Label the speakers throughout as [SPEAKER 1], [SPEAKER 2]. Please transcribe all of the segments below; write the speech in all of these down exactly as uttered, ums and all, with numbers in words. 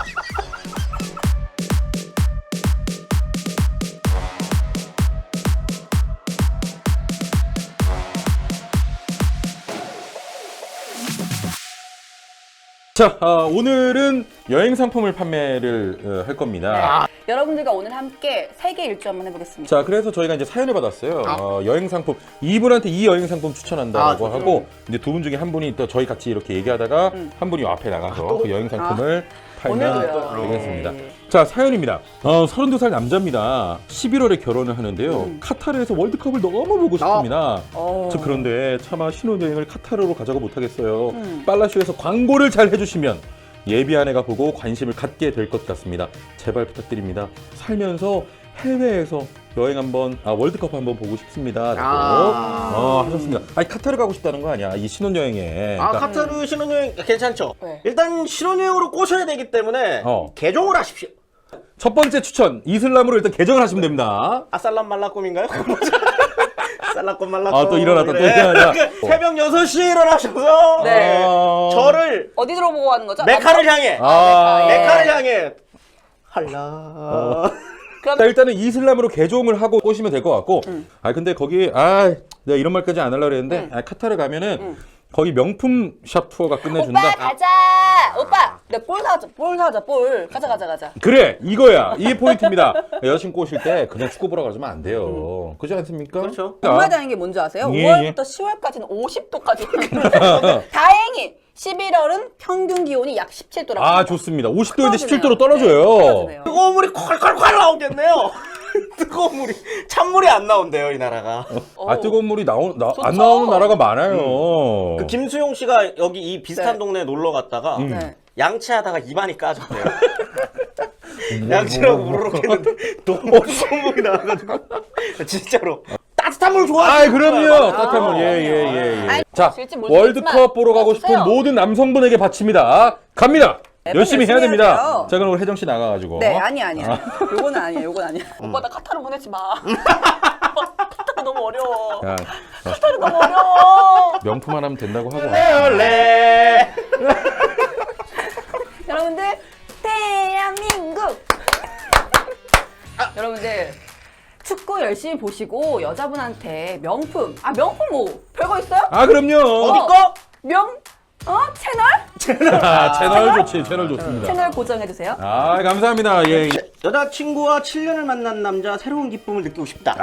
[SPEAKER 1] 자, 어, 오늘은 여행 상품을 판매를 어, 할 겁니다.
[SPEAKER 2] 네. 여러분들과 오늘 함께 세계 일주 한번 해보겠습니다.
[SPEAKER 1] 자, 그래서 저희가 이제 사연을 받았어요. 아. 어, 여행 상품, 이분한테 이 여행 상품 추천한다고 아, 하고, 이제 두 분 중에 한 분이 또 저희 같이 이렇게 얘기하다가 음. 한 분이 앞에 나가서 아, 그 여행 상품을 아. 팔면 되겠습니다. 네. 자, 사연입니다. 어, 서른두 살 남자입니다. 십일월에 결혼을 하는데요. 음. 카타르에서 월드컵을 너무 보고 싶습니다. 어. 저 그런데 차마 신혼여행을 카타르로 가자고 못하겠어요. 음. 빨라쇼에서 광고를 잘 해주시면 예비 아내가 보고 관심을 갖게 될 것 같습니다. 제발 부탁드립니다. 살면서 해외에서 여행 한번, 아, 월드컵 한번 보고 싶습니다. 라고 아~ 어, 하셨습니다. 아니, 카타르 가고 싶다는 거 아니야, 이 신혼여행에.
[SPEAKER 3] 아,
[SPEAKER 1] 그러니까
[SPEAKER 3] 카타르 신혼여행 괜찮죠?
[SPEAKER 2] 네.
[SPEAKER 3] 일단 신혼여행으로 꼬셔야 되기 때문에 어. 개종을 하십시오.
[SPEAKER 1] 첫 번째 추천, 이슬람으로 일단 개종을 하시면 됩니다.
[SPEAKER 3] 아살람 말라꿈인가요? 살라꿈 말라꿈.
[SPEAKER 1] 아, 또 일어났다, 또
[SPEAKER 3] 그래.
[SPEAKER 1] 일어났다.
[SPEAKER 3] 새벽 여섯 시에 일어나셔서
[SPEAKER 2] 네.
[SPEAKER 3] 어... 저를
[SPEAKER 2] 어디 들어보고 하는 거죠?
[SPEAKER 3] 메카를 향해
[SPEAKER 1] 아~
[SPEAKER 3] 메카를 향해 할라
[SPEAKER 1] 어. 그럼... 자, 일단은 이슬람으로 개종을 하고 꼬시면 될 것 같고 음. 아 근데 거기 아 내가 이런 말까지 안 하려고 했는데 음. 아, 카타르 가면은 음. 거기 명품 샵 투어가 끝내준다.
[SPEAKER 2] 오빠 가자. 오빠 내가 볼 사자. 볼 사자. 볼 가자 가자 가자.
[SPEAKER 1] 그래 이거야. 이게 포인트입니다. 여자친구 꼬실 때 그냥 축구 보러 가자면 안 돼요. 음. 그렇지 않습니까?
[SPEAKER 3] 그렇죠.
[SPEAKER 2] 정말 다행인 게 뭔지 아세요?
[SPEAKER 1] 예,
[SPEAKER 2] 오월부터 예. 시월까지는 오십 도까지 다행히 십일월은 평균 기온이 약 십칠 도라고.
[SPEAKER 1] 아 좋습니다. 오십 도인데 십칠 도로 떨어져요.
[SPEAKER 3] 네, 뜨거운 물이 콸콸콸 나오겠네요. 뜨거운 물이 찬물이 안 나온대요 이 나라가.
[SPEAKER 1] 어. 아 뜨거운 물이 나오, 나, 안 나오는 나라가 많아요.
[SPEAKER 3] 음. 그 김수용 씨가 여기 이 비슷한 네. 동네에 놀러 갔다가
[SPEAKER 1] 음.
[SPEAKER 3] 네. 양치하다가 입안이 까졌대요. 양치라고 우르륵 했는데 너무 뜨거운 물이 나와가지고 진짜로. 따뜻한 물 좋아하시는
[SPEAKER 1] 아, 그럼요.
[SPEAKER 3] 아,
[SPEAKER 1] 따뜻한 물. 예, 예, 예.
[SPEAKER 2] 아이,
[SPEAKER 1] 자, 월드컵 보러 가고 싶은 모든 남성분에게 바칩니다. 갑니다.
[SPEAKER 2] 네,
[SPEAKER 1] 열심히 해야 됩니다.
[SPEAKER 2] 해야
[SPEAKER 1] 자, 그럼 우리 혜정 씨 나가가지고.
[SPEAKER 2] 네, 아니야, 아니야. 아. 요거는 아니야, 요건 아니야. 음. 오빠 나 카타르 보내지 마. 오빠 카타르 너무 어려워. 야, 카타르 너무 어려워.
[SPEAKER 1] 명품 하나 하면 된다고 하고.
[SPEAKER 3] 레올레.
[SPEAKER 2] 여러분들, 대한민국. 아. 여러분들. 축구 열심히 보시고 여자분한테 명품 아 명품 뭐 별거 있어요?
[SPEAKER 1] 아 그럼요.
[SPEAKER 3] 어디 거?
[SPEAKER 2] 명 어? 채널?
[SPEAKER 1] 채널. 아, 채널 좋지. 채널 좋습니다.
[SPEAKER 2] 채널 고정해주세요.
[SPEAKER 1] 아 감사합니다. 예.
[SPEAKER 3] 여자친구와 칠 년을 만난 남자 새로운 기쁨을 느끼고 싶다.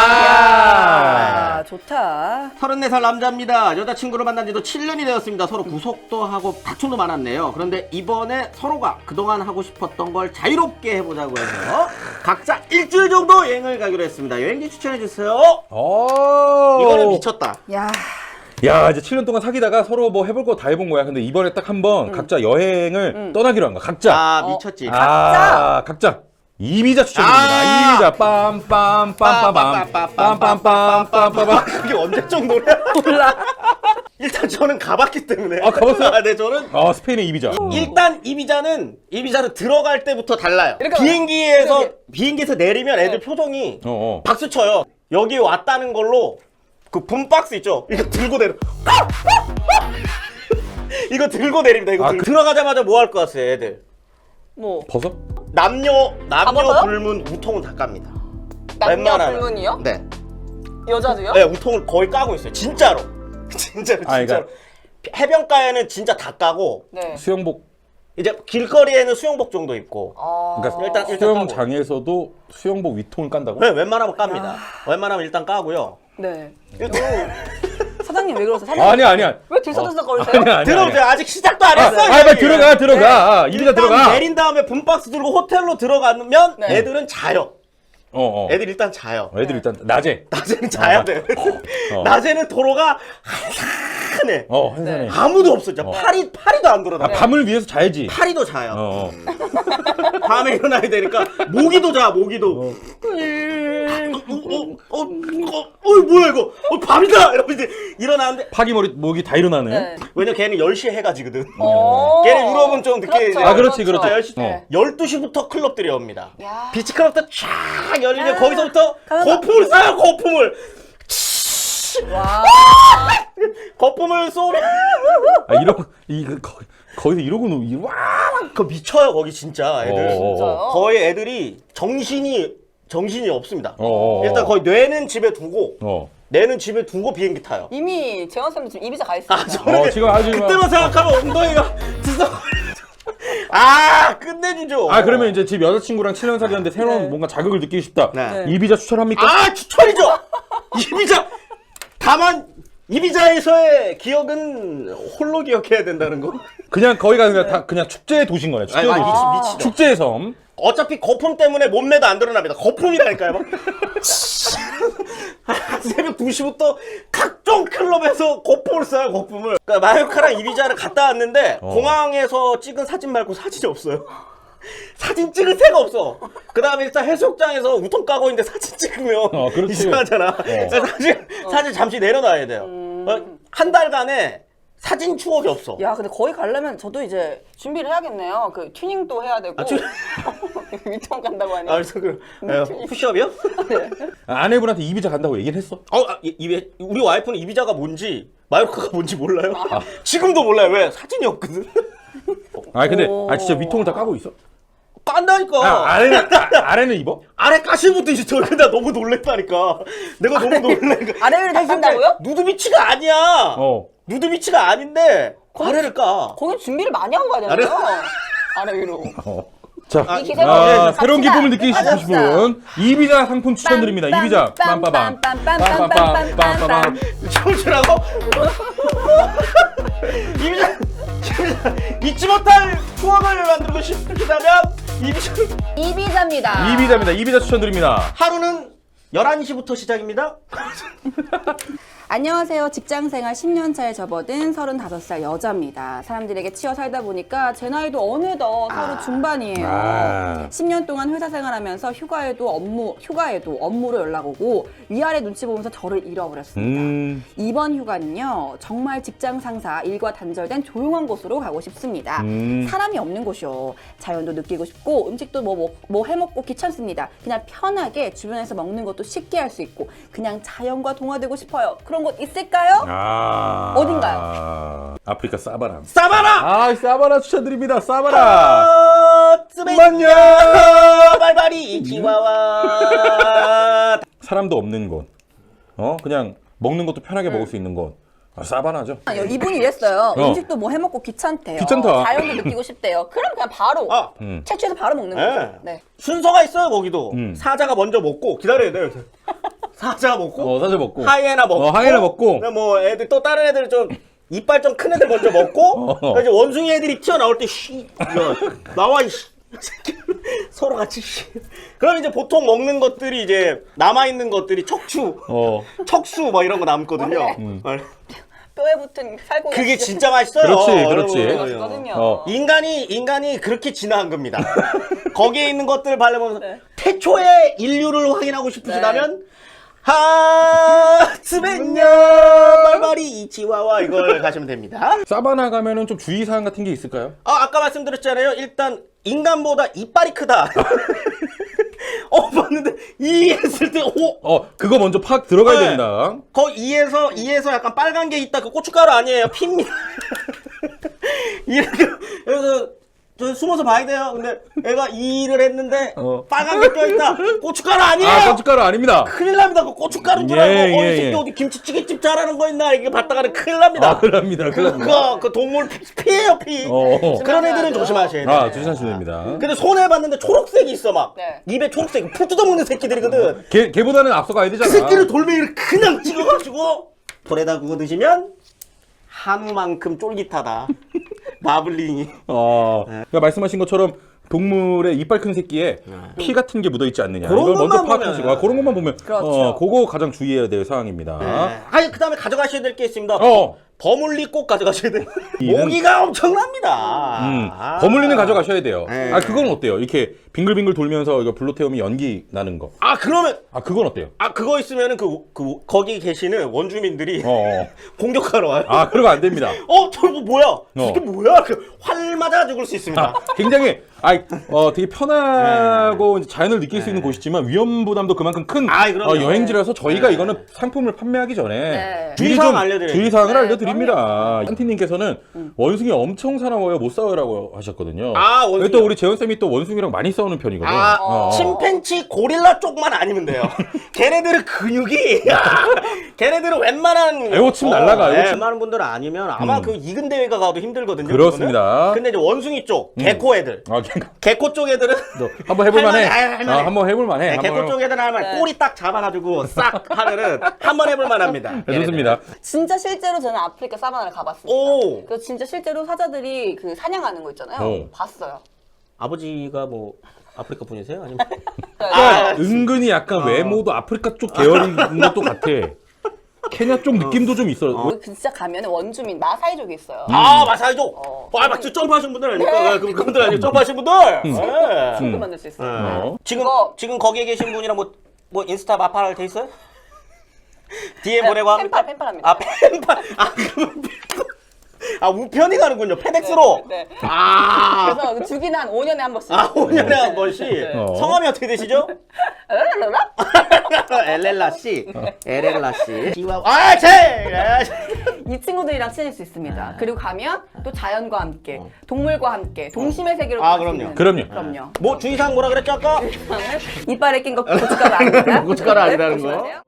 [SPEAKER 1] 아,
[SPEAKER 2] 아 좋다.
[SPEAKER 3] 서른네 살 남자입니다. 여자친구를 만난 지도 칠 년이 되었습니다. 서로 구속도 하고 다툼도 많았네요. 그런데 이번에 서로가 그동안 하고 싶었던 걸 자유롭게 해보자고 해서 각자 일주일 정도 여행을 가기로 했습니다. 여행지 추천해주세요.
[SPEAKER 1] 오.
[SPEAKER 3] 이거는 미쳤다.
[SPEAKER 2] 야.
[SPEAKER 1] 야 이제 칠 년 동안 사귀다가 서로 뭐 해볼 거 다 해본 거야. 근데 이번에 딱 한번 음. 각자 여행을 음. 떠나기로 한 거야. 각자.
[SPEAKER 3] 아 미쳤지.
[SPEAKER 1] 어. 아, 각자. 이비자 추천드립니다. 아 이비자 빰빰빰빰빰빰빰빰빰빰빰빰.
[SPEAKER 3] 그게 언제적 노래야?
[SPEAKER 2] 몰라.
[SPEAKER 3] 일단 저는 가봤기 때문에.
[SPEAKER 1] 아 가봤어요?
[SPEAKER 3] 아, 네 저는.
[SPEAKER 1] 아 스페인의 이비자.
[SPEAKER 3] 일단 이비자는 이비자는 들어갈 때부터 달라요. 비행기에서 이렇게. 비행기에서 내리면 애들 네. 표정이 어어. 박수 쳐요. 여기 왔다는 걸로 그 붐박스 있죠? 이거 들고 내려. 이거 들고 내립니다. 이거 아, 들고. 그... 들어가자마자 뭐 할 것 같아요, 애들?
[SPEAKER 2] 뭐?
[SPEAKER 1] 벗어?
[SPEAKER 3] 남녀 남녀 불문 우통은 다 깝니다.
[SPEAKER 2] 남녀
[SPEAKER 3] 웬만하면.
[SPEAKER 2] 불문이요?
[SPEAKER 3] 네.
[SPEAKER 2] 여자도요?
[SPEAKER 3] 네, 우통을 거의 까고 있어요. 진짜로. 진짜로 진짜로. 아, 그러니까... 해변가에는 진짜 다 까고.
[SPEAKER 2] 네.
[SPEAKER 1] 수영복.
[SPEAKER 3] 이제 길거리에는 수영복 정도 입고.
[SPEAKER 2] 아...
[SPEAKER 1] 그러니까 일단, 일단 수영장에서도 수영복 위통을 깐다고?
[SPEAKER 3] 네, 웬만하면 깝니다. 아... 웬만하면 일단 까고요.
[SPEAKER 2] 네. 사장님 왜 그러세요? 사장님
[SPEAKER 1] 아니 아니야.
[SPEAKER 2] 왜 들썩들썩거리세요?
[SPEAKER 1] 아니, 아니,
[SPEAKER 3] 들어오세요. 아직 시작도 안 했어요.
[SPEAKER 1] 아, 빨리 들어가 들어가. 아, 이비자 들어가.
[SPEAKER 3] 내린 다음에 붐박스 들고 호텔로 들어가면
[SPEAKER 2] 네.
[SPEAKER 3] 애들은 자요.
[SPEAKER 1] 어, 어.
[SPEAKER 3] 애들 일단 자요.
[SPEAKER 1] 애들 일단 낮에.
[SPEAKER 3] 낮에는 자야
[SPEAKER 1] 어,
[SPEAKER 3] 돼.
[SPEAKER 1] 어.
[SPEAKER 3] 낮에는 도로가 한산해.
[SPEAKER 1] 어, 한산해.
[SPEAKER 3] 네. 아무도 없어. 진짜 어. 파리 파리도 안 돌아다녀.
[SPEAKER 1] 아, 밤을 위해서 자야지.
[SPEAKER 3] 파리도 자요.
[SPEAKER 1] 어, 어.
[SPEAKER 3] 밤에 일어나야 되니까 모기도 자. 모기도. 어. 어, 어, 어, 어, 뭐야 이거? 어, 밤이다! 이러면 이제 일어나는데
[SPEAKER 1] 파기머리 모기 다 일어나네.
[SPEAKER 3] 네. 왜냐 걔는 열 시에 해가 지거든.
[SPEAKER 2] 어.
[SPEAKER 3] 걔는 유럽은 좀 늦게
[SPEAKER 2] 그렇죠.
[SPEAKER 3] 이제
[SPEAKER 1] 아 그렇지 그렇지.
[SPEAKER 3] 아, 열 시,
[SPEAKER 1] 어.
[SPEAKER 3] 열두 시부터 클럽들이 옵니다.
[SPEAKER 2] 야.
[SPEAKER 3] 비치클럽도 쫙 열리면
[SPEAKER 2] 야.
[SPEAKER 3] 거기서부터
[SPEAKER 2] 가만봐.
[SPEAKER 3] 거품을 쏴요. 거품을.
[SPEAKER 2] 와.
[SPEAKER 3] 거품을 쏘면
[SPEAKER 1] 아 이런 이거 거의 거기서 이러고 노, 와!
[SPEAKER 3] 그 미쳐요 거기 진짜 애들.
[SPEAKER 1] 어, 어, 어.
[SPEAKER 2] 진짜요?
[SPEAKER 3] 거의 애들이 정신이 정신이 없습니다.
[SPEAKER 1] 어, 어, 어.
[SPEAKER 3] 일단 거의 뇌는 집에 두고
[SPEAKER 1] 어.
[SPEAKER 3] 뇌는 집에 두고 비행기 타요.
[SPEAKER 2] 이미 재원 쌤도 지금 이비자 가 있습니다.
[SPEAKER 3] 아, 저는
[SPEAKER 1] 어, 지금 아주 막-
[SPEAKER 3] 그때만 생각하면 엉덩이가 들썩. 아 끝내주죠.
[SPEAKER 1] 아, 그러면 이제 집 여자친구랑 칠 년 사귀었는데 새로운
[SPEAKER 2] 네.
[SPEAKER 1] 뭔가 자극을 느끼고 싶다.
[SPEAKER 3] 네.
[SPEAKER 2] 네.
[SPEAKER 1] 이비자 추천합니까?
[SPEAKER 3] 아 추천이죠. 이비자. 다만 이비자에서의 기억은 홀로 기억해야 된다는 거.
[SPEAKER 1] 그냥 거기가 그냥 다 그냥 축제의 도시인 거네. 축제의
[SPEAKER 3] 아니,
[SPEAKER 1] 도시.
[SPEAKER 3] 아니, 미치- 미치죠.
[SPEAKER 1] 축제의 섬.
[SPEAKER 3] 어차피 거품 때문에 몸매도 안 드러납니다. 거품이라니까요. 막. 새벽 두 시부터 각종 클럽에서 거품을 써요, 거품을. 그러니까 마요카랑 이비자를 갔다 왔는데
[SPEAKER 1] 어.
[SPEAKER 3] 공항에서 찍은 사진 말고 사진이 없어요. 사진 찍을 새가 없어. 그 다음에 일단 해수욕장에서 우통 까고 있는데 사진 찍으면
[SPEAKER 1] 어, 그렇지.
[SPEAKER 3] 이상하잖아. 그래서 사진, 사진 잠시 내려놔야 돼요. 어, 한 달간에 사진 추억이 없어.
[SPEAKER 2] 야, 근데 거기 가려면 저도 이제 준비를 해야겠네요. 그 튜닝도 해야 되고.
[SPEAKER 3] 아, 튜-
[SPEAKER 2] 위통 간다고 하니.
[SPEAKER 3] 아, 그래서 그, 에, 푸시업이요?
[SPEAKER 1] 아, 아내분한테 이비자 간다고 얘기를 했어?
[SPEAKER 3] 어, 아, 이, 이, 우리 와이프는 이비자가 뭔지 마요르카가 뭔지 몰라요. 지금도 몰라요. 왜? 사진이 없거든.
[SPEAKER 1] 아, 근데
[SPEAKER 2] 오.
[SPEAKER 1] 아 진짜 위통을 다 까고 있어?
[SPEAKER 3] 깐다니까.
[SPEAKER 1] 아, 아래는 아, 아래는 입어?
[SPEAKER 3] 아래 까시부터 이제 저 근데 너무 놀랬다니까. 내가 너무 놀래니까.
[SPEAKER 2] 아래를 다 깐다고요?
[SPEAKER 3] 누드비치가 아니야.
[SPEAKER 1] 어.
[SPEAKER 3] 누드비치가 아닌데 아래를 까.
[SPEAKER 2] 거기 준비를 많이 하고 가야 되나요? 아래 위로.
[SPEAKER 1] 어. 자,
[SPEAKER 2] 이 기세로
[SPEAKER 1] 아,
[SPEAKER 2] 갑시다.
[SPEAKER 1] 새로운 기쁨을 느끼고
[SPEAKER 2] 갑시다.
[SPEAKER 1] 싶으신 분 이비자 상품 추천드립니다. 이비자 빰빠밤 빰빰빰 빰빠밤.
[SPEAKER 3] 춤추라고? 이비자 잊지 못할 추억을 만들고 싶으시다면 이비자
[SPEAKER 2] 이비자입니다.
[SPEAKER 1] 이비자입니다. 이비자 추천드립니다.
[SPEAKER 3] 하루는 열한 시부터 시작입니다.
[SPEAKER 2] 안녕하세요. 직장생활 십 년 차에 접어든 서른다섯 살 여자입니다. 사람들에게 치여 살다 보니까 제 나이도 어느덧 서른 중반이에요.
[SPEAKER 1] 아.
[SPEAKER 2] 십 년 동안 회사 생활하면서 휴가에도 업무, 휴가에도 업무로 연락 오고 위아래 눈치 보면서 저를 잃어버렸습니다.
[SPEAKER 1] 음.
[SPEAKER 2] 이번 휴가는요, 정말 직장 상사, 일과 단절된 조용한 곳으로 가고 싶습니다.
[SPEAKER 1] 음.
[SPEAKER 2] 사람이 없는 곳이요. 자연도 느끼고 싶고, 음식도 뭐, 뭐, 뭐 해먹고 귀찮습니다. 그냥 편하게 주변에서 먹는 것도 쉽게 할 수 있고, 그냥 자연과 동화되고 싶어요. 그런 곳 있을까요?
[SPEAKER 1] 아.
[SPEAKER 2] 어딘가요?
[SPEAKER 1] 아프리카 사바나.
[SPEAKER 3] 사바나!
[SPEAKER 1] 아, 사바나 추천드립니다. 사바나.
[SPEAKER 3] 아,
[SPEAKER 1] 만년.
[SPEAKER 3] 발발이 지와와.
[SPEAKER 1] 사람도 없는 곳. 어, 그냥 먹는 것도 편하게 먹을 수 있는 곳. 아, 사바나죠.
[SPEAKER 2] 아, 이분이 이랬어요.
[SPEAKER 1] 어.
[SPEAKER 2] 음식도 뭐 해먹고 귀찮대요.
[SPEAKER 1] 귀찮다.
[SPEAKER 2] 자연도 느끼고 싶대요. 그럼 그냥 바로
[SPEAKER 3] 아,
[SPEAKER 1] 음.
[SPEAKER 2] 채취해서 바로 먹는
[SPEAKER 3] 네.
[SPEAKER 2] 거죠. 네.
[SPEAKER 3] 순서가 있어요 거기도.
[SPEAKER 1] 음.
[SPEAKER 3] 사자가 먼저 먹고 기다려야 돼요. 사자 먹고
[SPEAKER 1] 어, 사자 먹고.
[SPEAKER 3] 하이에나 먹고
[SPEAKER 1] 어, 하이에나 먹고.
[SPEAKER 3] 그다음에 뭐 애들 또 다른 애들 좀 이빨 좀 큰 애들 먼저 먹고
[SPEAKER 1] 어.
[SPEAKER 3] 그다음에 이제 원숭이 애들이 튀어나올 때 쉬. 야, 나와 이 씨. 서로 같이 쉬. 그럼 이제 보통 먹는 것들이 이제 남아 있는 것들이 척추,
[SPEAKER 1] 어.
[SPEAKER 3] 척수 뭐 이런 거 남거든요.
[SPEAKER 1] 음.
[SPEAKER 2] 뼈에 붙은 살고
[SPEAKER 3] 그게 진짜 맛있어요.
[SPEAKER 1] 그렇지, 그렇지.
[SPEAKER 3] 여러분.
[SPEAKER 2] 맛있거든요.
[SPEAKER 1] 어.
[SPEAKER 3] 인간이 인간이 그렇게 진화한 겁니다. 거기에 있는 것들을 바라보면서
[SPEAKER 2] 네.
[SPEAKER 3] 태초의 인류를 확인하고 싶으시다면 하츠벤냐 말말이 이치와와 이걸 가시면 됩니다.
[SPEAKER 1] 사바나 가면은 좀 주의사항 같은 게 있을까요?
[SPEAKER 3] 아 아까 말씀드렸잖아요. 일단 인간보다 이빨이 크다. 어 봤는데 이 했을 때 오.
[SPEAKER 1] 어, 그거 먼저 팍 들어가야
[SPEAKER 3] 네.
[SPEAKER 1] 됩니다.
[SPEAKER 3] 거 이에서 이에서 약간 빨간 게 있다. 그 고춧가루 아니에요. 피입니다. 이렇게 그래서 저 숨어서 봐야 돼요. 근데 애가 이를 했는데
[SPEAKER 1] 어.
[SPEAKER 3] 빨간 게 껴있다. 고춧가루 아니에요.
[SPEAKER 1] 아, 고춧가루 아닙니다.
[SPEAKER 3] 큰일 납니다. 그 고춧가루인 줄 알고
[SPEAKER 1] 예,
[SPEAKER 3] 어,
[SPEAKER 1] 예,
[SPEAKER 3] 이 새끼
[SPEAKER 1] 예.
[SPEAKER 3] 어디 김치찌개집 잘하는 거 있나 이게 봤다가는 큰일 납니다.
[SPEAKER 1] 아, 그럽니다. 그럽니다.
[SPEAKER 3] 그거 그 동물 피- 피해요 피.
[SPEAKER 1] 어.
[SPEAKER 3] 그런 애들은 조심하셔야 돼요.
[SPEAKER 1] 아, 조심하시면 됩니다.
[SPEAKER 3] 근데 손에 봤는데 초록색이 있어 막.
[SPEAKER 2] 네.
[SPEAKER 3] 입에 초록색 풀 뜯어먹는 새끼들이거든.
[SPEAKER 1] 걔, 걔보다는 앞서 가야 되잖아.
[SPEAKER 3] 그 새끼를 돌멩이를 그냥 찍어가지고 불에다 구워 드시면 한우만큼 쫄깃하다. 마블링이.
[SPEAKER 1] 어, 그러니까 말씀하신 것처럼 동물의 이빨 큰 새끼에 피 같은 게 묻어 있지 않느냐.
[SPEAKER 3] 그런
[SPEAKER 1] 이걸 먼저
[SPEAKER 3] 것만
[SPEAKER 1] 파악하시고,
[SPEAKER 3] 보면.
[SPEAKER 1] 아, 그런 것만 보면,
[SPEAKER 2] 그렇죠.
[SPEAKER 1] 어, 그거 가장 주의해야 될 사항입니다.
[SPEAKER 3] 네. 아니 그 다음에 가져가셔야 될 게 있습니다.
[SPEAKER 1] 어.
[SPEAKER 3] 버물리 꼭 가져가셔야 돼요.
[SPEAKER 1] 이는-
[SPEAKER 3] 모기가 엄청납니다.
[SPEAKER 1] 음,
[SPEAKER 3] 아.
[SPEAKER 1] 버물리는 가져가셔야 돼요.
[SPEAKER 3] 네.
[SPEAKER 1] 아, 그건 어때요? 이렇게 빙글빙글 돌면서 이거 불로 태우면 연기 나는 거.
[SPEAKER 3] 아 그러면
[SPEAKER 1] 아, 그건 어때요?
[SPEAKER 3] 아 그거 있으면은 그, 그 거기 계시는 원주민들이
[SPEAKER 1] 어, 어.
[SPEAKER 3] 공격하러 와요.
[SPEAKER 1] 아, 그러면 안 됩니다.
[SPEAKER 3] 어 저거 뭐야?
[SPEAKER 1] 어.
[SPEAKER 3] 이게 뭐야? 그 활 맞아 죽을 수 있습니다.
[SPEAKER 1] 아, 굉장히 아이, 어, 되게 편하고 이제 자연을 느낄 수 있는 곳이지만 위험 부담도 그만큼 큰
[SPEAKER 3] 아이, 그럼요.
[SPEAKER 1] 어, 여행지라서 저희가
[SPEAKER 3] 네.
[SPEAKER 1] 이거는 상품을 판매하기 전에
[SPEAKER 2] 네.
[SPEAKER 1] 미리
[SPEAKER 3] 주의사항
[SPEAKER 1] 좀
[SPEAKER 3] 알려드려야죠.
[SPEAKER 1] 주의사항을
[SPEAKER 2] 네,
[SPEAKER 1] 알려드립니다. 한티님께서는 원숭이 엄청 사나워요, 못 싸워요라고 하셨거든요.
[SPEAKER 3] 아, 원숭이요?
[SPEAKER 1] 근데 또 우리 재원쌤이 또 원숭이랑 많이 싸우는 편이거든요.
[SPEAKER 3] 아,
[SPEAKER 1] 어.
[SPEAKER 3] 침팬치 고릴라 쪽만 아니면 돼요. 걔네들은 근육이, 걔네들은 웬만한.
[SPEAKER 1] 애호침 날라가,
[SPEAKER 3] 예,
[SPEAKER 1] 애호침.
[SPEAKER 3] 웬만한 분들은 아니면 아마
[SPEAKER 1] 음.
[SPEAKER 3] 그 이근 대회가 가도 힘들거든요.
[SPEAKER 1] 그렇습니다.
[SPEAKER 3] 그거는. 근데 이제 원숭이 쪽, 개코 애들.
[SPEAKER 1] 아, 걔가
[SPEAKER 3] 개코 쪽 애들은.
[SPEAKER 1] 너 한번 해볼만해.
[SPEAKER 3] 할만해, 아, 할만해.
[SPEAKER 1] 아, 한번 해볼만해.
[SPEAKER 3] 네,
[SPEAKER 1] 한번
[SPEAKER 3] 개코 쪽 애들은 하면 꼬리 딱 잡아가지고 싹 하면은 한번 해볼만 합니다.
[SPEAKER 1] 네, 좋습니다.
[SPEAKER 2] 진짜 실제로 저는 아프리카 사바나를 가봤습니다.
[SPEAKER 3] 오!
[SPEAKER 2] 그래서 진짜 실제로 사자들이 그 사냥하는 거 있잖아요.
[SPEAKER 1] 오.
[SPEAKER 2] 봤어요.
[SPEAKER 3] 아버지가 뭐 아프리카 분이세요? 아니면?
[SPEAKER 1] 그러니까 은근히 약간 외모도 아프리카 쪽 계열인 것도 같아. 케냐 쪽 느낌도 좀 있어.
[SPEAKER 2] 그 진짜 가면 원주민 마사이족이 있어요.
[SPEAKER 3] 아, 마사이족!
[SPEAKER 2] 어.
[SPEAKER 3] 아, 맞죠? 점프하신 분들 아닙니까?
[SPEAKER 2] 네.
[SPEAKER 3] 그, 그분들 아니에요? 점프하신 분들! 네.
[SPEAKER 2] 친구 만들 수 있어요.
[SPEAKER 1] 어.
[SPEAKER 3] 지금,
[SPEAKER 2] 그거-
[SPEAKER 3] 지금 거기에 계신 분이랑 뭐, 뭐 인스타 마팔 돼 있어요? 디엠 보내고 합니까?
[SPEAKER 2] 펜팔, 펜팔합니다.
[SPEAKER 3] 아, 펜팔. 아, 그러면 펜팔. 아, 우편이 가는군요. 페덱스로.
[SPEAKER 2] 네.
[SPEAKER 3] 아.
[SPEAKER 2] 그래서 그 주기는 한 오 년에 한 번씩.
[SPEAKER 3] 아, 오 년에 한 번씩.
[SPEAKER 1] 어.
[SPEAKER 3] 성함이 어떻게 되시죠?
[SPEAKER 2] 랄랄랄라?
[SPEAKER 3] 엘렐라 씨. 엘렐라 씨. 지와- 아, 제! 아,
[SPEAKER 2] 이 친구들이랑 친해질 수 있습니다. 그리고 가면 또 자연과 함께, 동물과 함께, 동심의 세계로
[SPEAKER 3] 아,
[SPEAKER 2] 갈수
[SPEAKER 3] 그럼요.
[SPEAKER 2] 있는.
[SPEAKER 1] 그럼요.
[SPEAKER 2] 그럼요.
[SPEAKER 3] 뭐, 주의사항 뭐라 그랬죠, 아까?
[SPEAKER 2] 이빨에 낀 거 고춧가루 아닙니다.
[SPEAKER 3] 고춧가루 아니라는 거.
[SPEAKER 2] 조심하세요.